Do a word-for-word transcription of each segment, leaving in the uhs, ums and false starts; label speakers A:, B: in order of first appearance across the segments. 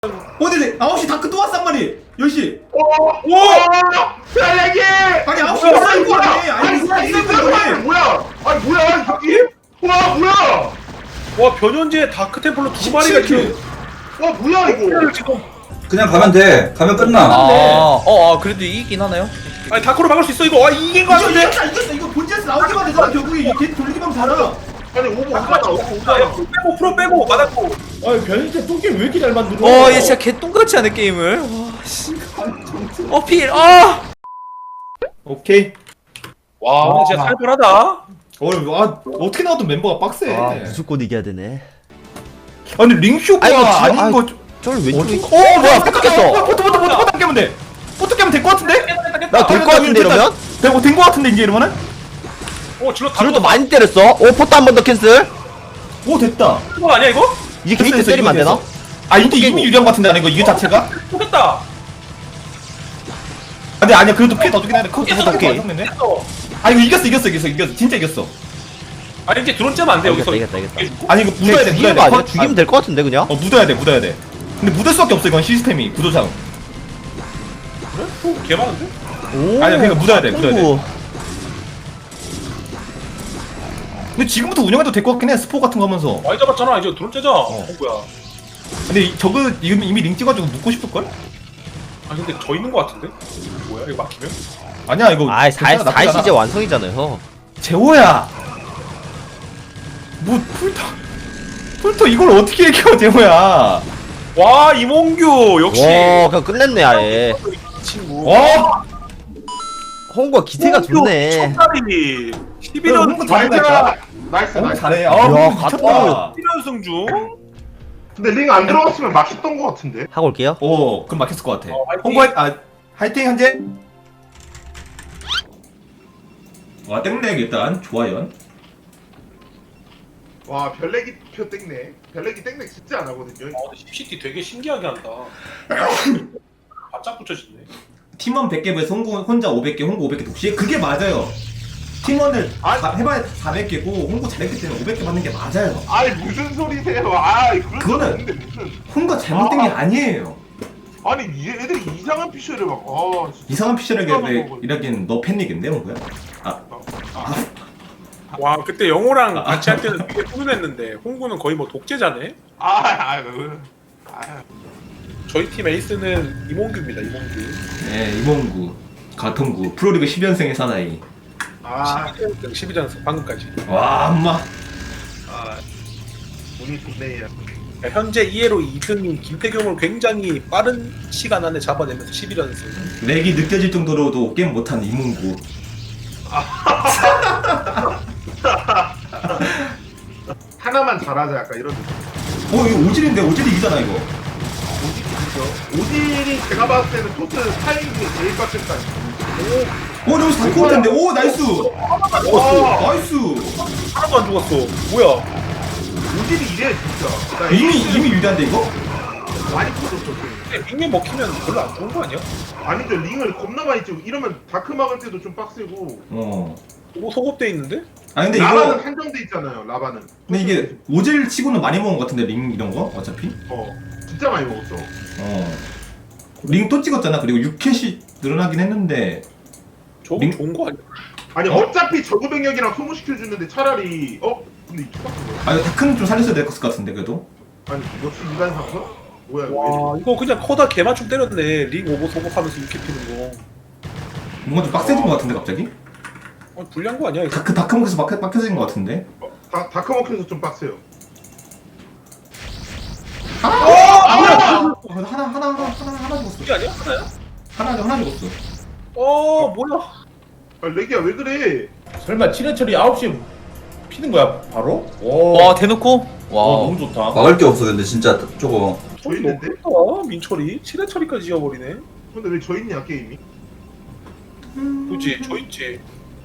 A: 어디지? 아홉 시 다크 또 왔어 한 마리. 열 시.
B: 오! 오! 사랑해!
A: 아니 아홉 시에 쌓인 거 아니야? 아니
B: 이거
A: 쌓인 거
B: 이거
A: 아니야?
B: 뭐야? 아니 뭐야 저기? 와 뭐야?
C: 와 변현재 다크템플러 두 마리가 지금
B: 와 뭐야 이거?
C: 지금
D: 그냥 가면 돼. 가면 끝나.
E: 아, 어, 아, 그래도 이기긴 하나요?
C: 아니 다크로 막을 수 있어 이거. 아 이긴 거
A: 이거
C: 같은데.
A: 이겼다 이겼어. 이거 본체에서 나오기만 되잖아. 결국에 이게 걔 돌리기만 살아.
B: 아니 오버 오잖아 오버
C: 자, 야,
B: 오잖아.
C: 풀 빼고 프로 빼고 맞았고.
F: 아니 변현재 똥게임 왜 이렇게 잘 만들어?
E: 어, 얘 진짜 개똥같이 하네, 게임을. 와, 씨. 어, 필, 아!
A: 오케이.
C: 와 오늘 진짜 살벌하다.
A: 어, 아, 어떻게 나와도 멤버가 빡세.
G: 아 무조건 이겨야 되네.
A: 아니 링쇼가
G: 아이고, 지-
A: 아닌
G: 아이고,
A: 거.
G: 저를 왜
A: 어디?
G: 어 뭐야 뺏겼어.
A: 포트 포트 포트 포트 깨면 돼. 포트 깨면 될 것 같은데?
G: 나 될 것 같은데 이러면?
A: 되고 된것 같은데 이제 이러면은?
C: 오 질러 다
G: 저를 또
C: 죽었다.
G: 많이 때렸어. 오 포트 한 번 더 캔슬.
A: 오 됐다.
C: 그거 아니야 이거?
G: 이제
A: 됐어,
G: 게이트
A: 됐어,
G: 때리면 안
A: 이거
G: 되나?
A: 됐어. 아 이제 이미 유리한 것 같은데 아니 이거 이거 자체가?
C: 죽겠다.
A: 근데 아니야 그래도 피해 더 주긴 하는데 그거
C: 됐어,
A: 오케이.
C: 됐어.
A: 네
C: 됐어.
A: 아 이거 이겼어 이겼어 이겼어 이겼어 진짜 이겼어.
C: 아니 이제 드론 째면 안 돼 여기서.
G: 이겼다, 이겼다, 이겼다.
A: 아니 이거 묻어야 돼 묻어야
G: 죽이는
A: 돼.
G: 거 아니야?
A: 아,
G: 죽이면 될 것 같은데 그냥?
A: 어 묻어야 돼 묻어야 돼. 근데 묻을 수밖에 없어 이건 시스템이 구조상.
C: 그래? 오, 개 많은데?
G: 오.
A: 아니, 그러니까 묻어야 돼, 묻어야 돼.
G: 오.
A: 근데 지금부터 운영해도 될 것 같긴 해 스포 같은 거 하면서.
C: 많이 잡았잖아 이제 드론 째자. 어 뭐야?
A: 근데 이- 저거 이미 이미 링 찍어가지고 묻고 싶을걸?
C: 아 근데 저 있는 거 같은데? 뭐야 이거 막히면?
A: 아니야 이거.
G: 아이 사
A: 괜찮아, 나쁘지
G: 사 시제
A: 않아.
G: 완성이잖아요.
A: 재호야. 뭐 풀터 풀터 이걸 어떻게 이겨 재호야.
C: 와 이몽규 역시.
G: 와 그냥 끝냈네 아예.
C: 이 친구.
A: 와.
G: 홍구가 기세가 좋네.
C: 첫날이 십일 연
A: 홍구 잘했다니까.
B: 나이스
A: 어,
B: 나이스.
A: 잘해. 아
G: 야,
A: 미쳤다.
G: 갔다.
C: 십일 연승 중.
B: 근데 링 안 들어갔으면 막혔던 것 같은데.
G: 하고 올게요.
A: 오 그럼 막혔을 것 같아.
C: 어, 화이팅.
A: 홍보 아 화이팅 현재. 와 땡렉 일단 좋아요.
B: 와 별내기 표 땡네. 별내기 땡네 진짜 안 하거든요.
C: 아 근데 씹시티 되게 신기하게 한다. 바짝 붙여지네.
A: 팀원 백 개 vs 홍구 혼자 오백 개 홍구 오백 개 독시 그게 맞아요. 팀원을
B: 아니.
A: 다 해봐야 사백 개고 홍구 잘했기 때문에 오백 개 받는 게 맞아요.
B: 아니 무슨 소리세요? 아 그런 거
A: 그거는-
B: 없는데 무슨?
A: 홍구가 잘못된 게
B: 아.
A: 아니에요.
B: 아니 이 애들이 이상한 피셜을 막. 아 진짜.
A: 이상한 피셜에게
B: 먹어.
A: 이라기엔 너 팬닉인데 홍구야? 아
C: 와 그때 영호랑 같이 할 때는 되게 훈훈했는데 홍구는 거의 뭐 독재자네.
B: 아, 아, 아, 아.
C: 저희 팀 에이스는 이몽규입니다. 이몽규.
A: 네 이몽구 가통구 프로리그 십 연승의 사나이.
B: 아,
C: 십이 연승 방금까지.
A: 와 엄마.
B: 아, 운이 좋네요.
C: 현재 이 회로 이 등인 김태경을 굉장히 빠른 시간 안에 잡아내면서 십일 연승.
A: 렉이 느껴질 정도로도 게임 못하는 이몽구.
B: 하나만 잘하자 약간 이런 느낌.
A: 어 이거 오질인데 오질이 이기잖아 이거.
B: 오딜이죠. 오딜이 제가 봤을 때는 토트 타이밍이 제일 빡셌다.
A: 오 여기서 다크 올 텐데 오 나이스.
B: 와,
A: 나이스.
C: 하나도 안 죽었어. 뭐야?
B: 오딜이 이래 진짜. 나
A: 이미 이미 유리한데 이거?
B: 많이 터졌어. 지금.
C: 근데 링에 먹히면 별로 안 좋은 거 아니야?
B: 아니죠, 링을 겁나 많이 찍고 이러면 다크 막을 때도 좀 빡세고.
A: 어.
C: 뭐 소급돼 있는데?
A: 아 근데
B: 라바는
A: 이거
B: 한정돼 있잖아요. 라바는.
A: 근데 이게 오질 치고는 많이 먹은 것 같은데 링 이런 거 어차피.
B: 어 진짜 많이 먹었어.
A: 어. 링 또 찍었잖아. 그리고 육 캣이 늘어나긴 했는데.
C: 저거
A: 링-
C: 좋은 거 아니야?
B: 아니
A: 어?
B: 어? 차피 저그 병력이랑 소모시켜 주는데 차라리 어 근데 이거 빡세.
A: 아 이거 다크는 좀 살렸어야 될 것 같은데 그래도.
B: 아니 역시 인간 상서? 뭐야 이거?
C: 와 이거 그냥 커다 개맞춤 때렸네. 링 오버 소급하면서 이렇게 피는 거.
A: 뭔가 좀 빡세진 것 같은데 갑자기?
C: 아, 불리한 거 아니야 이거?
A: 다크 다크 먹에서 빡 빡해진 것 같은데.
B: 다 다크 먹혀서 좀 빡세요.
A: 아! 어, 하나 하나 하나 하나 하나 하나 죽었어.
C: 이게 아니야? 하나야?
A: 하나 하나 죽었어.
C: 어 뭐야?
B: 아 레기야 왜 그래?
F: 설마 칠해철이 아홉 시에 피는 거야 바로?
E: 와,
F: 와,
E: 대놓고?
F: 와
E: 와.
F: 너무 좋다.
D: 막을 게 없어 근데 진짜 저거.
B: 저
C: 너무
B: 있는데?
C: 크다 민철이 칠회 처리까지 지어버리네.
B: 근데 왜 저 있냐 게임이?
C: 그치 저 있지.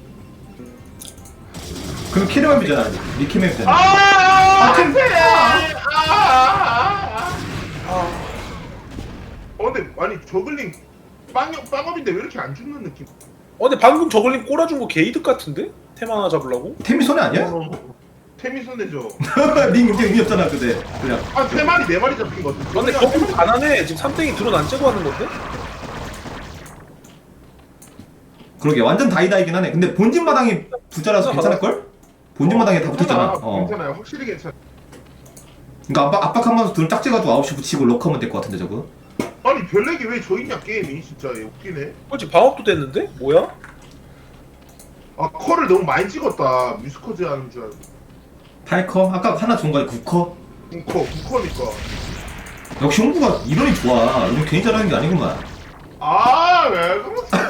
A: 그럼 키르맵이잖아. 리키맵이잖아.
B: 아,
A: 템-
B: 어 근데 아니 저글링 빵업 빵업인데 왜 이렇게 안 죽는 느낌?
C: 어 근데 방금 저글링 꼬라준 거 게이득 같은데? 템 하나 잡으려고?
A: 템이 손해 아니야?
B: 어, 템이 손해죠.
A: 링 이제 의미 없잖아 그대. 그냥.
B: 한 세 마리 네 마리 잡힌 것 같아.
C: 근데 거기서 가난해. 지금 삼땡이 드론 안 째고 하는 건데?
A: 그러게 완전 다이다이긴 하네. 근데 본진 마당이 부자라서 괜찮을 걸? 본진 마당에 다 붙었잖아. 어.
B: 괜찮아요. 확실히 괜찮아.
A: 그러니까 압박 압박하면서 드론 짝지가지고 아홉 시 붙이고 럭하면 될 것 같은데 저거.
B: 아니 별렉이 왜 저 있냐 게임이 진짜 웃기네.
C: 그렇지 방업도 됐는데? 뭐야?
B: 아 컬을 너무 많이 찍었다. 뮤스커즈 하는 줄 알고.
A: 팔 커? 아까 하나 준 거에 구 커?
B: 구 커, 구 커니까.
A: 역시 홍구가 이론이 좋아. 이건 괜히 잘하는 게 아니구만.
B: 아, 왜 그러지?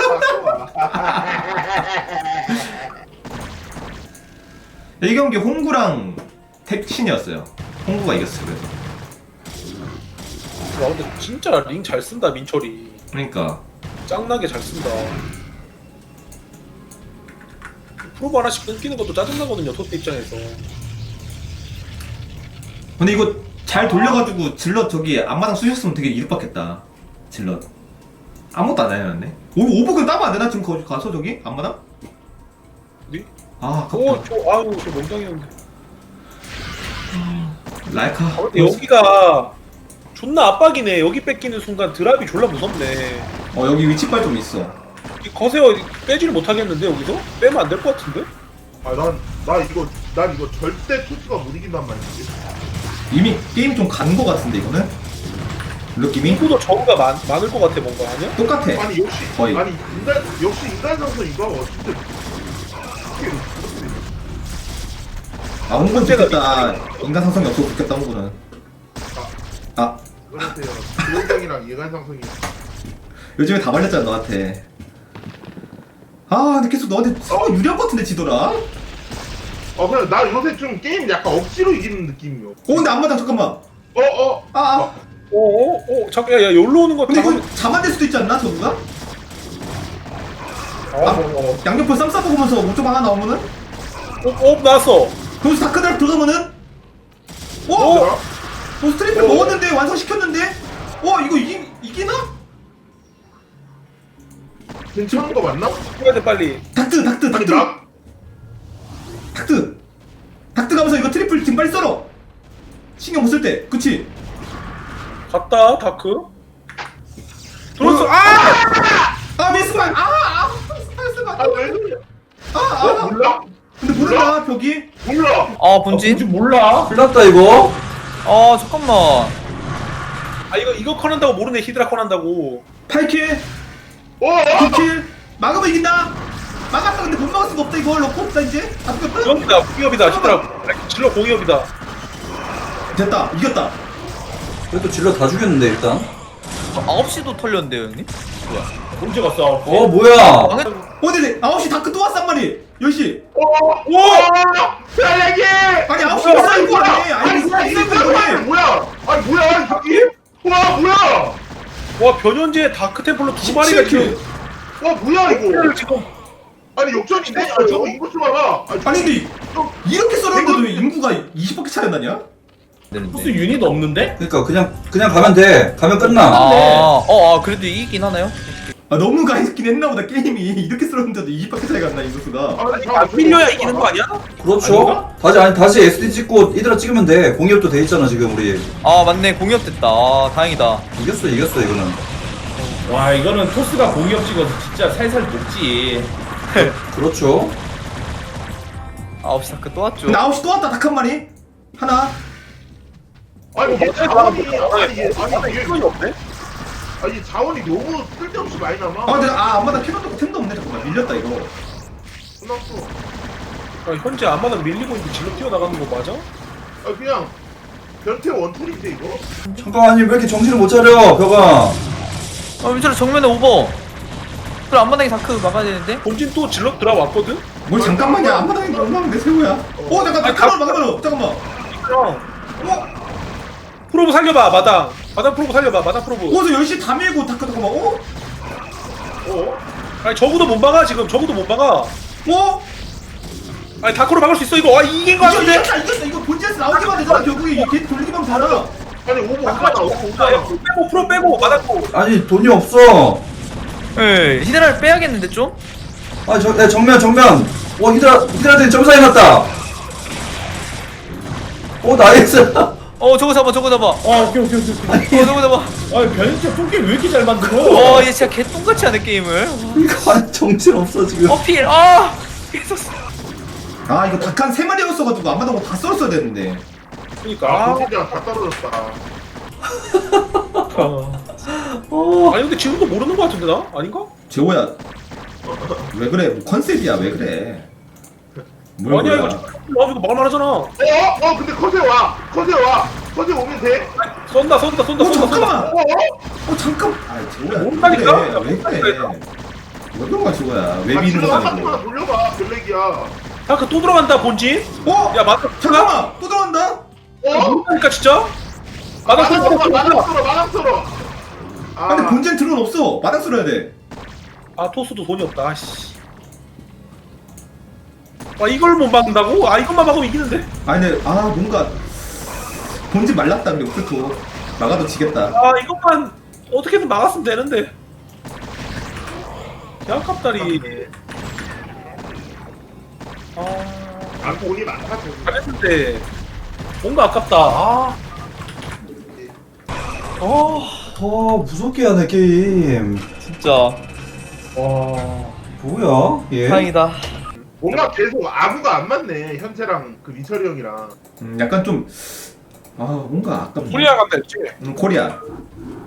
A: 이 경기 홍구랑 택신이었어요. 홍구가 이겼어요. 그래서.
C: 와 근데 진짜 링 잘 쓴다 민철이.
A: 그러니까
C: 짱나게 잘 쓴다. 프로브 하나씩 끊기는 것도 짜증나거든요 토스 입장에서.
A: 근데 이거 잘 돌려가지고 질럿 저기 앞마당 쑤셨으면 되게 이득받겠다. 질럿 아무것도 안 해놨네. 오 오버글 따면 안 되나 지금 거기 가서 저기 앞마당?
C: 네?
A: 아
C: 오,
A: 아깝다.
C: 저, 아유, 저 멍청이었는데.
A: 라이카.
C: 아, 근데 여기가 존나 압박이네. 여기 뺏기는 순간 드랍이 졸라 무섭네.
A: 어 여기 위치빨 좀 있어.
C: 이 거세어 빼지를 못하겠는데 여기서? 빼면 안 될 것 같은데?
B: 아, 난, 나 이거, 난 이거 절대 토스가 못 이긴단 말이지.
A: 이미 게임 좀 간 거 같은데 이거는? 느낌이?
C: 인구도 저우가 많, 많을 것 같아 뭔가 아니야?
A: 똑같아.
B: 아니 역시,
A: 거의.
B: 아니 인간, 역시 인간 상성 이거 진짜.
A: 아 홍구는 좋겠다. 인간 상성이 없어서 좋겠다 홍구는. 아
B: 그러세요. 기본장이랑 인간 상성이.
A: 요즘에 다 말렸잖아 너한테. 아 근데 계속 너한테 서로 유리한 것 같은데 지더라?
B: 어, 그래 나 요새 좀 게임 약간 억지로 이기는 느낌이요.
A: 어 근데 앞마당 잠깐만.
B: 어, 어.
A: 아, 아.
C: 어어어 잠깐 야야 여기로 오는 거
A: 근데
C: 다
A: 이거 자만될 수도 있지 않나 저구가?
C: 어, 어, 어.
A: 양옆을 쌈 싸먹으면서 오점 하나 나오면은?
C: 어, 어 나왔어.
A: 거기서 다크달 들어가면은? 어?
B: 뭐야?
A: 어 스트레이트
B: 어.
A: 먹었는데 완성시켰는데? 어 이거 이기, 이기나?
B: 괜찮은 거 맞나?
C: 해야 돼 빨리.
A: 닥트 닥트
B: 아니
A: 닥트
B: 나
A: 닥트 닥트 가면서 이거 트리플 지금 빨리 썰어 신경 못 쓸 때 그치?
C: 갔다 다크. 들어왔어.
A: 어.
C: 아!
A: 아 미스만 아아 미스만
B: 아, 왜 그래?
A: 아아
B: 어, 몰라?
A: 근데 몰라 벽이
B: 몰라.
E: 아 본진?
F: 뭔지 몰라.
D: 큰일 났다 이거.
E: 아 잠깐만.
C: 아 이거 이거 커난다고 모르네 히드라 커난다고.
A: 팔 킬
B: 어, 어.
A: 구 킬 막으면 이긴다 막았다 근데 못 막을 수가 없다 이거 넣고 없다 이제 아 끝
C: 공이다 공이업이다 히드라. 질러 공이업이다.
A: 됐다 이겼다
D: 그래도 질러 다 죽였는데 일단.
E: 아홉 시도 털렸는데요 형님?
F: 언제 갔어?
D: 어 뭐야?
E: 망했...
A: 어 근데 아홉 시 다크 또 왔단 말이 열 시
B: 오! 오! 야야기!
A: 아니 아홉 시 비싼 거 아니야 아니
B: 아니
A: 비싼
B: 이거
A: 거 아니야
B: 뭐야? 아니 뭐야 저기? 와 뭐야?
C: 와 변현재 다크 템플러 두 마리가 지금.
B: 와 뭐야 이거?
C: 지금
B: 아니 역전인데? 아 저거 이거 좀 봐봐.
A: 아니 근데 이렇게 썰었는데도 왜 인구가 이십 바퀴 차이 안 나냐?
F: 토스 유닛 없는데?
D: 그러니까 그냥 그냥 가면 돼. 가면 끝나.
E: 아, 어, 아 그래도 이기긴 하나요?
A: 아 너무 가있긴 했나 보다 게임이 이렇게 썰었는데도 이십 바퀴 차이가 안 나 인구수가
B: 아니
C: 안 밀려야 이기는 거 아니야?
D: 그렇죠.
F: 아닌가?
D: 다시 아니 다시 에스디 찍고 이대로 찍으면 돼. 공이업도 돼 있잖아 지금 우리.
E: 아 맞네 공이업 됐다. 아 다행이다.
D: 이겼어 이겼어 이거는.
F: 와 이거는 토스가 공이업 찍어서 진짜 살살 녹지.
D: 그렇죠.
E: 아홉 시 다크 또 왔죠.
A: 근데 아홉 시 또 왔다 닭 한 마리 하나
B: 아니 이게 자원이 아니 이게 아니 이게
C: 시간이 없네.
B: 아니 자원이 너무 쓸데없이 많이 남아.
A: 아 근데 아 안마다 캐논도 템도 없네 잠깐만 밀렸다 이거
B: 끝났어.
C: 아, 현재 안마당 밀리고 있는데 질러 뛰어나가는 거 맞아?
B: 아 그냥 변태 원툴인데 이거?
D: 잠깐만 아니 왜 이렇게 정신을 못 차려 벽아.
E: 아 민철아 정면에 오버. 그럼 앞마당에 다크 막아야 되는데?
C: 본진 또 질러 들어왔거든?
A: 뭘 잠깐만야 안마당에 얼마나 내 새우야 어 잠깐
C: 아니,
A: 캐논
C: 가-
A: 막으면 잠깐만
C: 형
A: 어?
C: 프로브 살려봐 마당 마당 프로브 살려봐 마당 프로브.
A: 어서 열 시 다 밀고 다크 잠깐만 어?
C: 어? 아니 적어도 못 막아 지금 적어도 못 막아.
A: 어?
C: 아니 다크로 막을 수 있어 이거. 아 이긴 거
A: 이거
C: 같은데?
A: 이겼다 이겼다 이거 본진에서 나오기만 되잖아 결국에 이게 돌리기만 되잖아
B: 아니 오버
C: 잠깐만
B: 오잖아 오버
C: 야,
B: 오잖아.
C: 프로 빼고 프로 빼고 마당 프로.
D: 아니 돈이 없어.
E: 예 히드라를 빼야겠는데 좀?
D: 아니 저 야, 정면 정면. 와 히드라 히드라들이 점사 해놨다. 오 나이스.
E: 어 저거 잡아 저거 잡아. 어
F: 아 오케이 오케이 오케이 오케이.
E: 저거 잡아.
F: 아 변인체 똥게임 왜 이렇게 잘 만들어?
E: 어 얘 진짜 개똥같이 하네 게임을.
D: 이거 정신 없어 지금.
E: 어 필. 아 계속.
A: 아 이거 닭 한 세 마리였어가지고 안 맞은 거 다 썰었어야 되는데.
C: 그러니까.
B: 아,
C: 아,
B: 도시장 다 떨어졌다.
D: 어.
C: 아니 근데 지금도 모르는 거 같은데 나? 아닌가?
A: 재호야 왜 그래? 뭐 컨셉이야 왜 그래? 뭘
C: 아니야
A: 몰라.
C: 이거 아 이거 말만 하잖아.
B: 어? 어? 근데 컷에 와! 컷에 와! 컷에 오면 돼?
C: 쏜다 쏜다 쏜다
A: 어
C: 쏜다 쏜다.
A: 잠깐만.
B: 어?
A: 어 잠깐. 아 재호야
C: 모른다니까?
A: 왜 그래? 왜 그래? 왜 그런 거야 재호야? 왜
B: 아,
A: 미는
B: 질러
A: 거
B: 한
A: 아니고?
B: 번만 돌려봐. 블랙이야.
C: 아그 또 들어간다 본진.
A: 어?
C: 야 맞다.
A: 잠깐만 또 들어간다?
B: 어?
C: 모른다니까 진짜.
B: 마당
C: 마당
B: 썰어,
C: 쏜다.
B: 마당 썰어, 마당 썰어.
A: 아 근데 본진 드론 없어. 마당 쓸어야 돼.
C: 아 토스도 돈이 없다. 씨. 아 이걸 못 막는다고? 아 이것만 막으면 이기는데.
A: 아니 근데 아 뭔가 본진 말랐다 근데 우크토 막아도 지겠다.
C: 아 이것만 어떻게든 막았으면 되는데. 개 아깝다리. 아
B: 아, 돈이 많다, 돈이.
C: 잘했는데 뭔가 아깝다. 아. 어.
D: 더 무섭게 하네 게임.
E: 진짜
C: 와.
D: 뭐야 얘?
E: 다행이다.
B: 뭔가 계속 아구가 안 맞네, 현재랑 그 민철이 형이랑.
A: 음, 약간 좀 아 뭔가 아깝네.
C: 코리아 간다 했지.
A: 음, 코리아.